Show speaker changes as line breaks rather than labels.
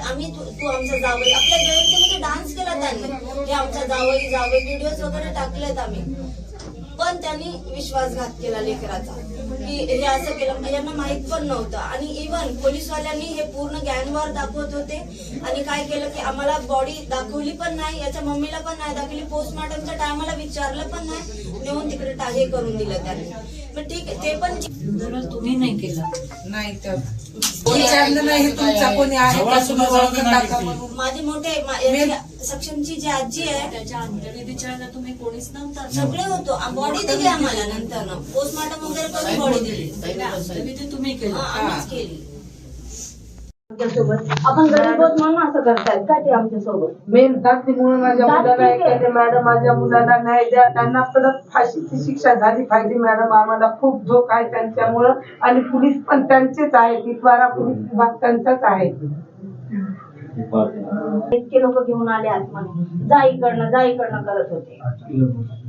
आम्ही तू आमचा जावई, आपल्या जयंतीमध्ये डान्स केला त्यांनी, हे आमचा जावई जावई व्हिडिओज वगैरे टाकलेत आम्ही. पण त्यांनी विश्वासघात केला लेकराचा, की हे असं केलं, यांना माहित पण नव्हतं. आणि इव्हन पोलीसवाल्यांनी हे पूर्ण गँगवर दाखवत होते. आणि काय केलं की आम्हाला बॉडी दाखवली पण नाही, याच्या मम्मीला पण नाही दाखवली, पोस्टमॉर्टमच्या टायमाला विचारलं पण नाही, नेऊन तिकडे हे करून दिलं त्यांनी. मग ठीक आहे, ते पण
तुम्ही नाही केलं
नाही तर विचारलं नाही तुमचा कोणी आहे का, तुम्ही ओळखत का म्हणून.
माझे मोठे सक्षमची जी आजी आहे
त्याच्या अंत्यविधीच्या वेळेला तुम्ही कोणीच नव्हता.
सगळे होतो, बॉडी दिली आम्हाला नंतर पोस्टमॉर्टम वगैरे करून बॉडी दिली.
अंत्यविधी तुम्ही केलं.
आम्हीच केली. आमच्यासोबत आपण गरीब आहोत म्हणून असं करतायत का ते आमच्यासोबत?
मेन जातीमुळे माझ्या मुलाला एखाद्या मॅडम माझ्या मुलाला न्याय द्या, त्यांना परत फाशीची शिक्षा झाली पाहिजे मॅडम. आम्हाला खूप धोका आहे त्यांच्यामुळं, आणि पोलीस पण त्यांचेच आहेत, इतवारा पोलीस विभाग त्यांचाच आहे.
इतके लोक घेऊन आले आतमध्ये, जा इकडनं करत होते.